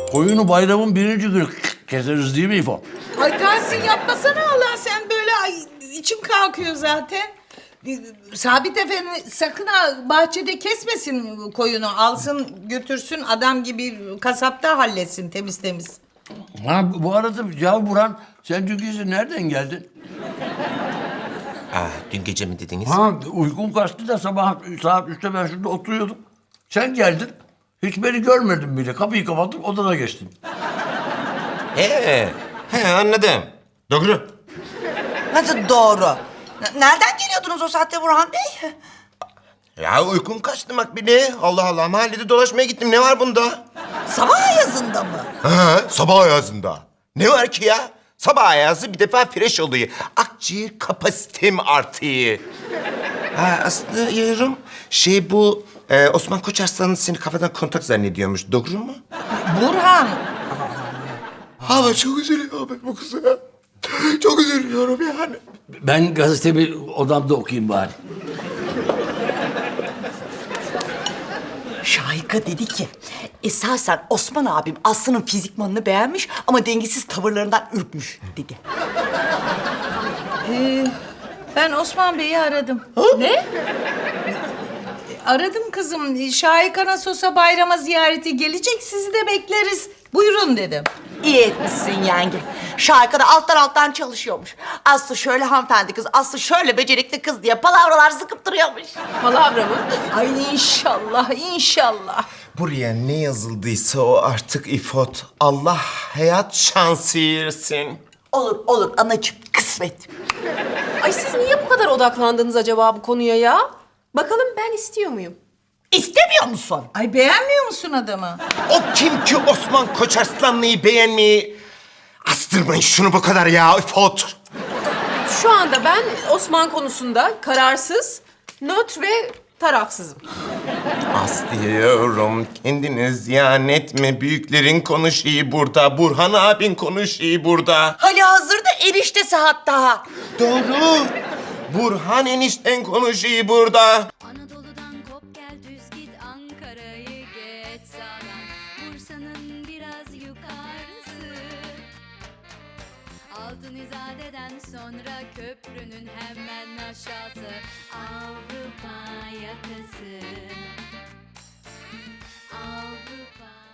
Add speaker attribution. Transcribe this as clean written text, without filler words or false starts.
Speaker 1: Koyunu bayramın birinci günü keseriz değil mi İfo?
Speaker 2: Ay Tahsin yapmasana Allah sen böyle ay içim kalkıyor zaten. Sabit Efendi sakın ha bahçede kesmesin koyunu. Alsın götürsün adam gibi kasapta halletsin temiz temiz.
Speaker 1: Ha bu arada ya Burhan sen dün gece nereden geldin?
Speaker 3: Dün gece mi dediniz?
Speaker 1: Ha uykum kaçtı da sabah saat 3'te ben şurada oturuyordum. Sen geldin. Hiç beni görmedin bile. Kapıyı kapattım odana geçtin.
Speaker 3: He anladım. Doğru.
Speaker 4: Nasıl doğru? Nereden geliyordunuz o saatte Burhan Bey?
Speaker 3: Ya uykum kaçtı Makbule. Allah Allah mahallede dolaşmaya gittim. Ne var bunda?
Speaker 4: Sabah ayazında mı?
Speaker 3: Ha, sabah ayazında. Ne var ki ya? Sabah ayazı bir defa fresh oluyor. Akciğer kapasitem artıyor. Ha aslında yarım bu Osman Koçarslan seni kafadan kontak zannediyormuş. Doğru mu?
Speaker 2: Burhan.
Speaker 3: Ama çok üzülüyorum ben bu kıza. Çok üzülüyorum yani.
Speaker 1: Ben gazetemi odamda okuyayım bari.
Speaker 4: Şahika dedi ki, esasen Osman abim Aslı'nın fizikmanını beğenmiş ama dengesiz tavırlarından ürkmüş dedi.
Speaker 2: Ben Osman Bey'i aradım.
Speaker 5: Ne?
Speaker 2: Aradım kızım. Şahika Nasos'a bayrama ziyareti gelecek. Sizi de bekleriz. Buyurun dedim.
Speaker 4: İyi etmişsin yenge. Şahika da alttan çalışıyormuş. Aslı şöyle hanımefendi kız, Aslı şöyle becerikli kız diye palavralar sıkıp duruyormuş.
Speaker 5: Palavra mı?
Speaker 2: Ay inşallah, inşallah.
Speaker 3: Buraya ne yazıldıysa o artık İfot. Allah hayat şansı versin.
Speaker 4: Olur anacığım, kısmet.
Speaker 5: Ay siz niye bu kadar odaklandınız acaba bu konuya ya? Bakalım ben istiyor muyum?
Speaker 4: İstemiyor musun?
Speaker 2: Ay beğenmiyor musun adamı?
Speaker 3: O kim ki Osman Koçarslanlı'yı beğenmeyi? Astırmayın şunu bu kadar ya İfot.
Speaker 5: Şu anda ben Osman konusunda kararsız, nötr ve tarafsızım.
Speaker 3: Aslıyorum kendini ziyan etme. Büyüklerin konuşuyor burada. Burhan abin konuşuyor burada.
Speaker 4: Halihazırda eriştesi hatta.
Speaker 3: Doğru. Burhan enişten konuşuyor burada.
Speaker 6: Anadolu'dan kop gel düz git Ankara'yı geç sağdan Bursa'nın biraz yukarısı Altın İzade'den sonra köprünün hemen aşağısı Avrupa yakası Avrupa